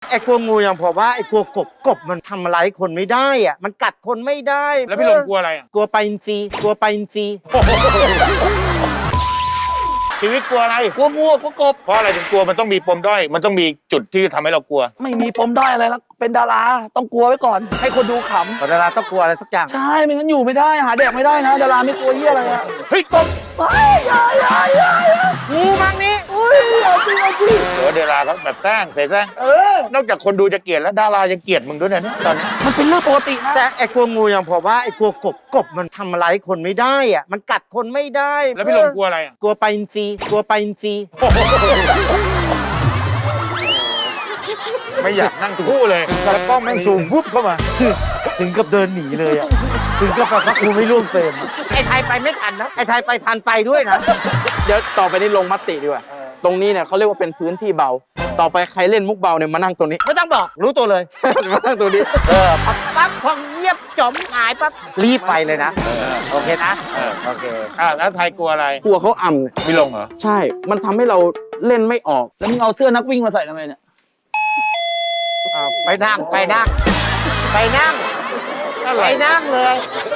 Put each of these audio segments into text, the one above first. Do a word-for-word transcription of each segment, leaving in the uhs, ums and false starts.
ไอ้กลัวงูอย่างผมว่าไอ้กลัวกบกบมันทำอะไรคนไม่ได้อ่ะมันกัดคนไม่ได้แล้วพี่ลงกลัวอะไรอ่ะกลัวปลาอินทรีกลัวปลาอินทรีชีวิตกลัวอะไรกลัวงูกลัวกบเพราะอะไรถึงกลัวมันต้องมีปมด้อยมันต้องมีจุดที่ทำให้เรากลัวไม่มีปมด้อยอะไรแล้วเป็นดาราต้องกลัวไว้ก่อนให้คนดูขำดาราต้องกลัวอะไรสักอย่างใช่ไม่งั้นอยู่ไม่ได้หาแดกไม่ได้นะดาราไม่กลัวเหี้ยอะไรอะเฮ้ยกบเฮ้ยอย่าอย่าอย่างูมังนี้อุ้ยอย่าจริงจริงเออดาราเขาแบบแซงเสแสร้งเออนอกจากคนดูจะเกลียดแล้วดารายังเกลียดมึงด้วยนะตอนนี้มันเป็นเรื่องปกตินะแต่ไอ้กลัวงูอย่างผมว่าไอ้กลัวกบกบมันทำอะไรคนไม่ได้อ่ะมันกัดคนไม่ได้แล้วพี่ลงกลัวอะไรอ่ะกลัวปลาอินทรีกลัวปลาอินทรีไม่อยากนั่งคู่เลยแล้วกล้องแม่งซูมฟุบเข้ามาถึงกับเดินหนีเลยอ่ะถึงกับแบบว่ากูไม่ร่วมเฟรมไอ้ไทยไปไม่ทันนะไอ้ไทยไปทันไปด้วยนะเดี๋ยวต่อไปนี้ลงมติดีกว่าตรงนี้เนี่ยเขาเรียกว่าเป็นพื้นที่เบาต่อไปใครเล่นมุกเบาเนี่ยมานั่งตรงนี้ไม่ต้องบอกรู้ตัวเลยมานั่งตรงนี้เออปั๊บปั๊บพอเงียบจมหายปั๊บรีบไปเลยนะโอเคนะโอเคอ่าแล้วไทยกลัวอะไรกลัวเขาอ่ำพี่ลงเหรอใช่มันทำให้เราเล่นไม่ออกแล้วมึงเอาเสื้อนักวิ่งมาใส่ทำไมเนี่ยไปนั่งไปนั่งไปนั่งไปนั่งเลย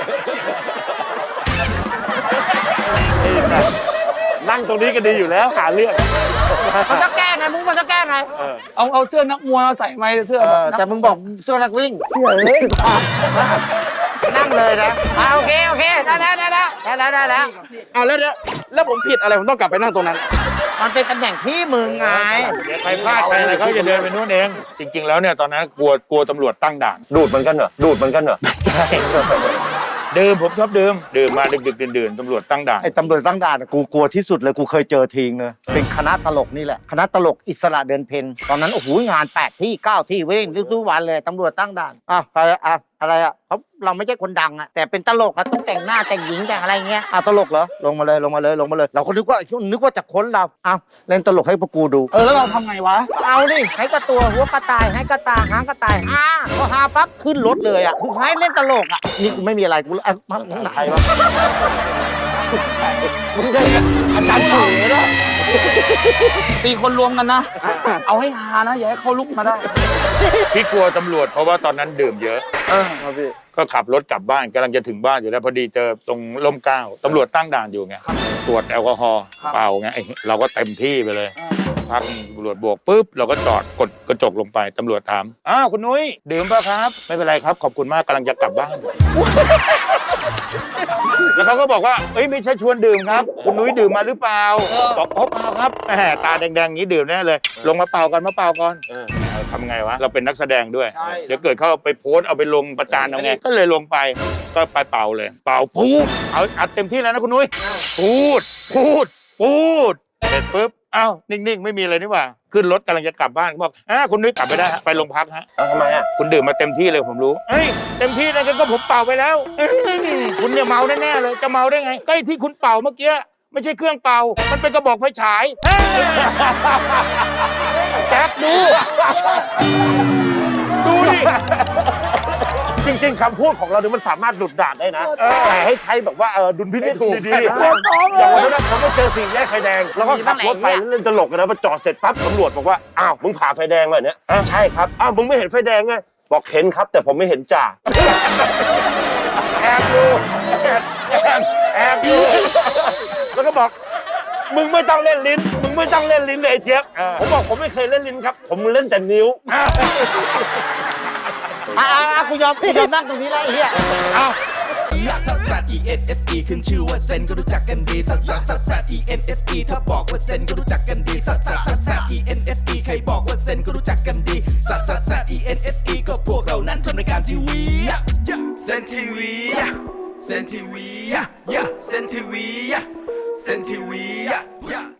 นั่งตรงนี้ก็ดีอยู่แล้วหาเรื่องมันจะแก้ไงมึงมันจะแก้ไงเอาเอาเสื้อนักมวยมาใส่ไหมเสื้อแต่มึงบอกเสื้อนักวิ่งนั่งเลยนะโอเคโอเคได้แล้วได้แล้วได้แล้วได้แล้วเอาแล้วแล้วผมผิดอะไรผมต้องกลับไปนั่งตรงนั้นมันเป็นตำแหน่งที่มึงไงเดี๋ยวใครพลาดไปอะไรเขาจะเดินไปนู่นเองจริงๆแล้วเนี่ยตอนนั้นกลัวกลัวตำรวจตั้งด่านดูดมันกันเหรอดูดมันกันเหรอใช่ดื่มผมชอบดื่มดื่มมาดึกๆดื่นๆตำรวจตั้งด่านไอ้ตำรวจตั้งด่านกูกลัวที่สุดเลยกูเคยเจอทีงเลยเป็นคณะตลกนี่แหละคณะตลกอิสระเดินเพนตอนนั้นโอ้โหงานแปดที่เก้าที่เว้งทุกวันเลยตำรวจตั้งด่านอ้าวใครอ่ะอะไรอ่ะเขาเราไม่ใช่คนดังอ่ะแต่เป็นตลกอ่ะต้องแต่งหน้าแต่งหญิงแต่งอะไรเงี้ยอ้าวตลกเหรอลงมาเลยลงมาเลยลงมาเลยเราก็นึกว่านึกว่าจะค้นเราอ้าวเล่นตลกให้พวกกูดูเออแล้วเราทำไงวะเอาดิให้กระตัวหัวกระต่ายให้กระตาหางกระต่ายอ่าพอหาปั๊บขึ้นรถเลยอ่ะคือให้เล่นตลกอ่ะนี่กูไม่มีอะไรกูอ่ะมาใครวะมึงได้อาจารย์เฉยนะตีคนรวมกันนะเอาให้ฮานะอย่าให้เขาลุกมาได้พี่กลัวตำรวจเพราะว่าตอนนั้นดื่มเยอะเออครับพี่ก็ขับรถกลับบ้านกำลังจะถึงบ้านอยู่แล้วพอดีเจอตรงร่มเกล้าตำรวจตั้งด่านอยู่ไงตรวจแอลกอฮอล์เปล่าไงเราก็เต็มที่ไปเลยพักตำรวจโบกปุ๊บเราก็จอดกดกระจกลงไปตำรวจถามอ้าวคุณนุ้ยดื่มป่ะครับไม่เป็นไรครับขอบคุณมากกำลังจะกลับบ้านแล้วเขาก็บอกว่าเอ้ยไม่ใช่ชวนดื่มครับคุณนุ้ยดื่มมาหรือเปล่าบอกอ๋อเปล่าครับแหมตาแดงๆงี้ดื่มแน่เลยลงมาเป่ากันมาเป่าก่อนทำไงวะเราเป็นนักแสดงด้วยเดี๋ยวเกิดเขาไปโพสเอาไปลงประจานเอาไงก็เลยลงไปก็ไปเป่าเลยเป่าพูดเอาอัดเต็มที่แล้วนะคุณนุ้ยพูดพูดพูดเสร็จปุ๊บอ้าวนิ่งๆไม่มีอะไรนี่หว่าขึ้นรถกำลังจะกลับบ้านบอกอ่าคุณนุ้ยกลับไปได้ไปโรงพักฮะทำไมอ่ะคุณดื่มมาเต็มที่เลยผมรู้เฮ้ยเต็มที่นะก็ผมเป่าไปแล้วคุณเนี่ยเมาแน่ๆเลยจะเมาได้ไงก็ไอ้ที่คุณเป่าเมื่อกี้ไม่ใช่เครื่องเป่ามันเป็นกระบอกไฟฉายแจ๊คดูดูดิจริงๆคำพูดของเราเนี่ยมันสามารถหลุดด่านได้นะแต่ให้ใช้แบบว่าเออดุลพินิจดีๆอย่างวันนั้นเขาไม่เจอสี่แยกไฟแดงแล้วก็ขับรถไปเล่นตลกกันนะพอจอดเสร็จปั๊บตำรวจบอกว่าอ้าวมึงผ่าไฟแดงมาเนี่ยใช่ครับอ้าวมึงไม่เห็นไฟแดงไงบอกเห็นครับแต่ผมไม่เห็นจ่าแอบดูแอบแอบแอบดูแล้วก็บอกมึงไม่ต้องเล่นลิ้นมึงไม่ต้องเล่นลิ้นเลยเจี๊ยบผมบอกผมไม่เคยเล่นลิ้นครับผมเล่นแต่นิ้วอ่ากูยอมกูยอมนั่งตรงนี้แล้วไอ้เหี้ยเอาซัสซัส E N S E ขึ้นชื่อว่าเซนก็รู้จักกันดีซัสซัสซัสซัส E N S E ถ้าบอกว่าเซนก็รู้จักกันดีซัสซัสซัสซัส E N S E ใครบอกว่าเซนก็รู้จักกันดีซัสซัสซัส E N S E ก็พวกเรานั้นทำรายการทีวีเซนทีวีเซนทีวีเซนทีวีเซนทีวี